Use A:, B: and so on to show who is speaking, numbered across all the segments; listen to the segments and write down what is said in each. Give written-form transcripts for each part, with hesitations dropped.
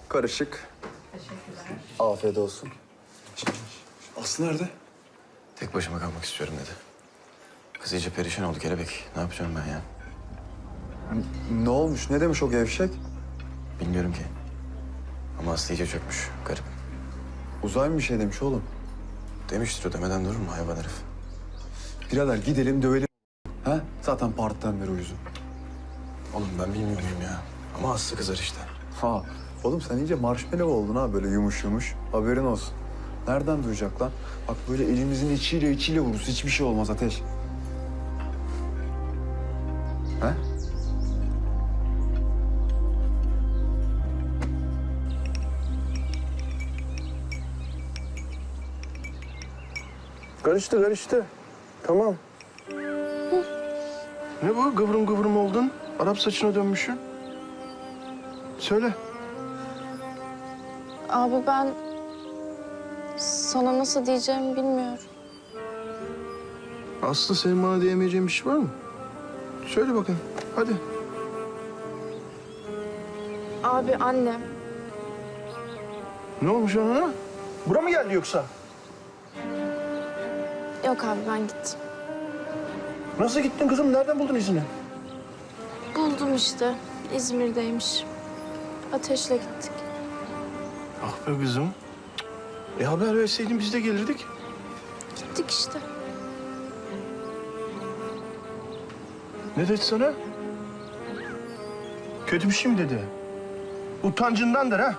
A: Karışık.
B: Teşekkürler.
A: Afiyet olsun. Aslı nerede?
C: Tek başıma kalmak istiyorum dedi. Kız iyice perişan oldu kelebek. Ne yapacağım ben ya?
A: Ne olmuş? Ne demiş o gevşek?
C: Bilmiyorum ki. Ama Aslı iyice çökmüş. Garip.
A: Uzay mı bir şey demiş oğlum?
C: Demiştir o, demeden durur mu hayvan herif?
A: Birader gidelim dövelim. Ha? Zaten partiden beri uyuzum.
C: Oğlum ben bilmiyor muyum ya? Ama Aslı kızar işte.
A: Ha. Oğlum sen iyice marshmallow oldun ha böyle yumuş yumuş. Haberin olsun. Nereden duyacak lan? Bak böyle elimizin içiyle vururuz. Hiçbir şey olmaz Ateş. Ha?
D: Karıştı. Tamam. Ne bu? Kıvrım kıvrım oldun. Arap saçına dönmüşsün. Söyle.
E: Abi ben sana nasıl diyeceğimi bilmiyorum.
D: Aslı senin bana diyemeyeceğin bir şey var mı? Söyle bakayım. Hadi.
E: Abi annem.
D: Ne olmuş ona? Bura mı geldi yoksa?
E: Yok abi ben gittim.
D: Nasıl gittin kızım? Nereden buldun izini?
E: Buldum işte. İzmir'deymiş. Ateşle gittik.
D: Ah be kızım. Haber verseydin biz de gelirdik.
E: Gittik işte.
D: Ne dedi sana? Kötü bir şey mi dedi? Utancındandır ha?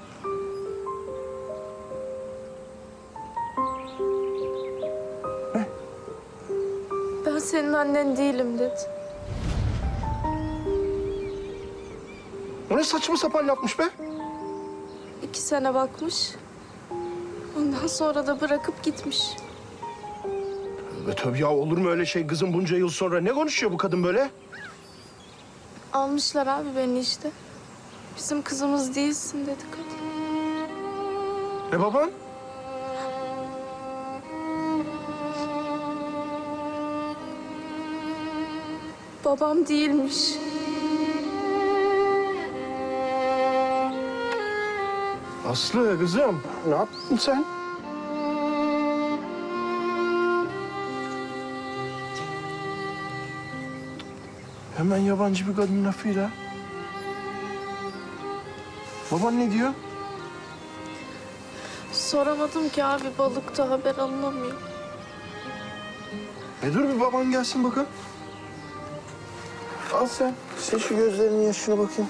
E: Ben senin annen değilim dedi.
D: O ne saçma sapan yapmış be?
E: 2 sene bakmış. Ondan sonra da bırakıp gitmiş.
D: Tabii ya, olur mu öyle şey kızım bunca yıl sonra? Ne konuşuyor bu kadın böyle?
E: Almışlar abi beni işte. Bizim kızımız değilsin dedi kadın.
D: Baban?
E: Babam değilmiş.
D: Aslı kızım, ne yaptın sen? Hemen yabancı bir kadının lafıyla. Baban ne diyor?
E: Soramadım ki abi, balıkta haber alınamıyor.
D: Dur bir baban gelsin bakın. Al sen. Sil şu gözlerinin yaşına bakayım.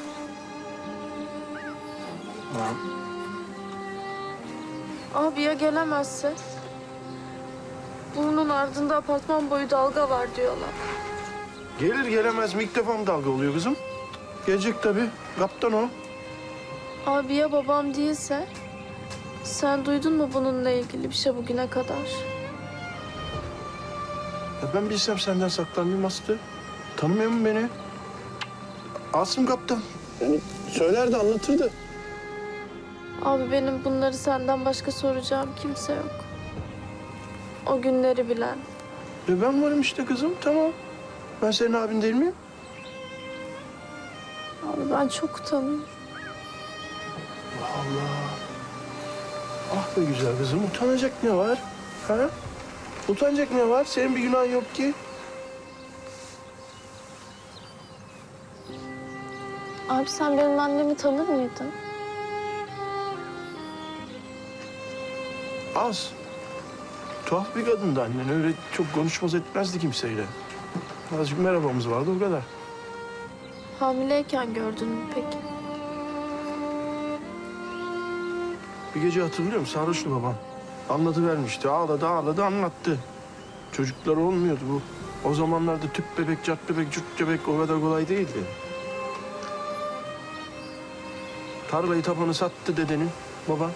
E: Abi ya gelemezse? Bunun ardında apartman boyu dalga var diyorlar.
D: Gelir gelemez mi ilk defa mı dalga oluyor kızım? Gelecek tabii. Kaptan o.
E: Abi ya babam değilse? Sen duydun mu bununla ilgili bir şey bugüne kadar?
D: Ben bilsem senden saklanmayayım Aslı. Tanımıyor musun beni? Asım kaptan. Yani söylerdi, anlatırdı.
E: Abi benim bunları senden başka soracağım kimse yok. O günleri bilen.
D: Ben varım işte kızım, tamam. Ben senin abin değil miyim?
E: Abi ben çok utanıyorum.
D: Allah. Ah be güzel kızım, utanacak ne var? Ha? Utanacak ne var? Senin bir günahın yok ki.
E: Abi sen benim annemi tanır mıydın?
D: Az. Tuhaf bir kadındı annen. Öyle çok konuşmaz etmezdi kimseyle. Azıcık merhabamız vardı, o kadar.
E: Hamileyken gördün mü peki?
D: Bir gece hatırlıyorum, sarhoştu baban. Anlatıvermişti, ağladı, anlattı. Çocuklar olmuyordu bu. O zamanlarda tüp bebek, cart bebek, cürt bebek o kadar kolay değildi. Tarlayı tapanı sattı dedenin, baba.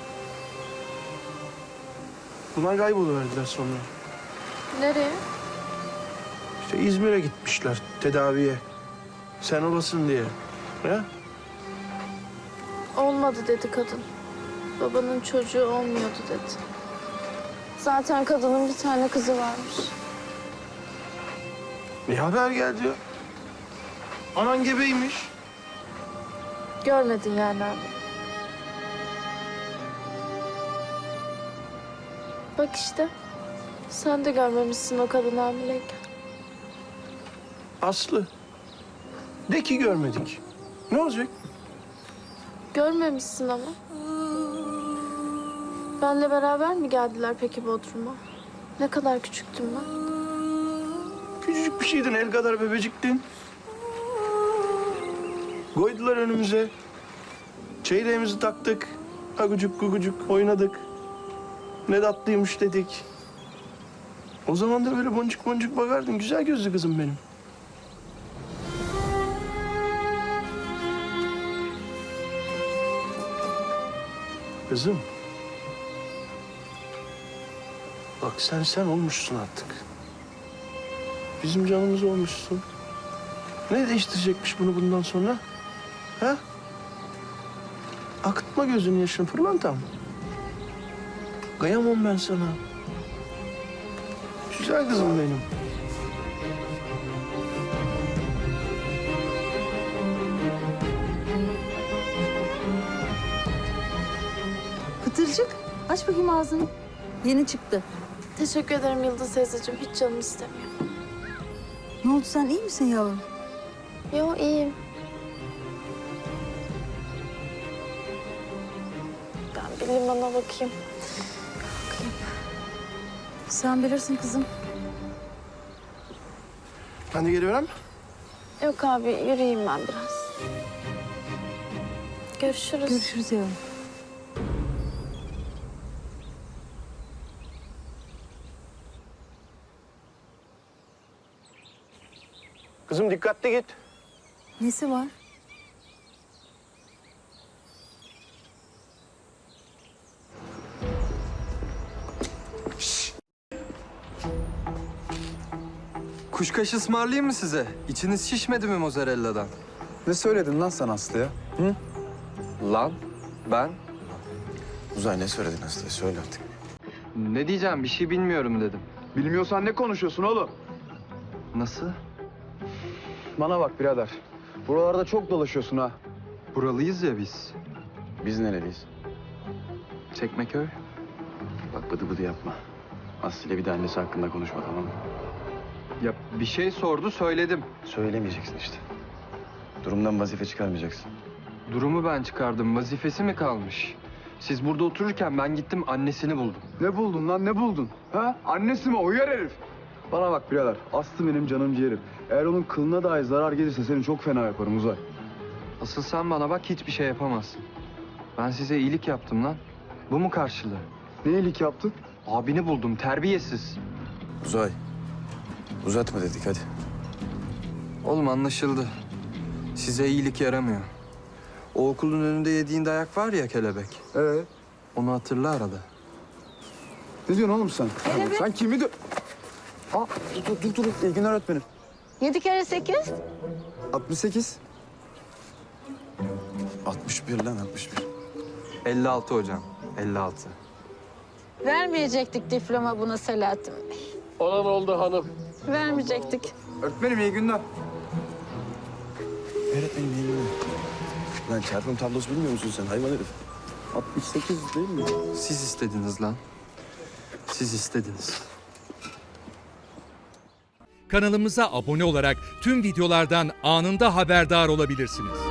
D: Bunlar kayboluverdiler sonra.
E: Nereye?
D: İşte İzmir'e gitmişler tedaviye. Sen olasın diye. Ya?
E: Olmadı dedi kadın. Babanın çocuğu olmuyordu dedi. Zaten kadının bir tane kızı varmış.
D: Ne haber geldi ya? Anan gebeymiş.
E: Görmedin yani abi. Bak işte. Sen de görmemişsin o kadın hamileyken.
D: Aslı. De ki görmedik. Ne olacak?
E: Görmemişsin ama. Benle beraber mi geldiler peki Bodrum'a? Ne kadar küçüktüm ben.
D: Küçücük bir şeydin, el kadar bebeciktin. Koydular önümüze. Çeyreğimizi taktık. Agucuk gugucuk oynadık. Ne tatlıymış dedik. O zaman da böyle boncuk boncuk bakardın. Güzel gözlü kızım benim. Kızım. Bak sen olmuşsun artık. Bizim canımız olmuşsun. Ne değiştirecekmiş bunu bundan sonra? Ha? Akıtma gözünün yaşını pırlantam. Kıyamam ben sana. Güzel kızım benim.
B: Pıtırcık, aç bakayım ağzını. Yeni çıktı.
E: Teşekkür ederim Yıldız teyzeciğim. Hiç canım istemiyor.
B: Ne oldu, sen iyi misin yavrum?
E: Yo iyiyim. Ben bir limana bakayım.
B: Sen bilirsin kızım.
D: Ben de geliyorum.
E: Yok abi yürüyeyim ben biraz. Görüşürüz.
B: Görüşürüz yavrum.
D: Kızım dikkatli git.
B: Nesi var?
F: Kuşkaş ısmarlayayım mı size? İçiniz şişmedi mi mozzarella'dan?
A: Ne söyledin lan sen Aslı'ya? Hı?
F: Lan ben
C: Uzay ne söyledin Aslı'ya? Söyle artık.
F: ne diyeceğim bir şey bilmiyorum dedim.
A: Bilmiyorsan ne konuşuyorsun oğlum?
F: Nasıl?
A: Bana bak birader. Buralarda çok dolaşıyorsun ha.
F: Buralıyız ya biz.
C: Biz nereliyiz?
F: Çekmeköy.
C: Bak bıdı bıdı yapma. Aslı ile bir de annesi hakkında konuşma, tamam mı?
F: Ya bir şey sordu söyledim.
C: Söylemeyeceksin işte. Durumdan vazife çıkarmayacaksın.
F: Durumu ben çıkardım. Vazifesi mi kalmış? Siz burada otururken ben gittim annesini buldum.
A: Ne buldun lan ne buldun? Ha? Annesi mi o yer herif? Bana bak birader. Aslı benim canım ciğerim. Eğer onun kılına dahi zarar gelirse seni çok fena yaparım Uzay.
F: Asıl sen bana bak hiçbir şey yapamazsın. Ben size iyilik yaptım lan. Bu mu karşılığı?
A: Ne iyilik yaptın?
F: Abini buldum terbiyesiz.
C: Uzay. Uzatma dedik hadi.
F: Oğlum anlaşıldı. Size iyilik yaramıyor. O okulun önünde yediğin dayak var ya kelebek. Onu hatırla arada.
A: Ne diyorsun oğlum sen? Sen kimi de... Aa, dur. İyi günler öğretmenim.
B: 7 kere 8.
A: 68.
C: 61 lan 61.
F: 56 hocam. 56.
B: Vermeyecektik diploma buna Selahattin Bey.
D: Olan oldu hanım.
B: Vermeyecektik.
A: Öğretmenim iyi günler.
C: Öğretmenim iyi günler. Lan çarpım tablosu bilmiyor musun sen hayvan herif?
A: 68 değil mi?
F: Siz istediniz lan. Siz istediniz.
G: Kanalımıza abone olarak tüm videolardan anında haberdar olabilirsiniz.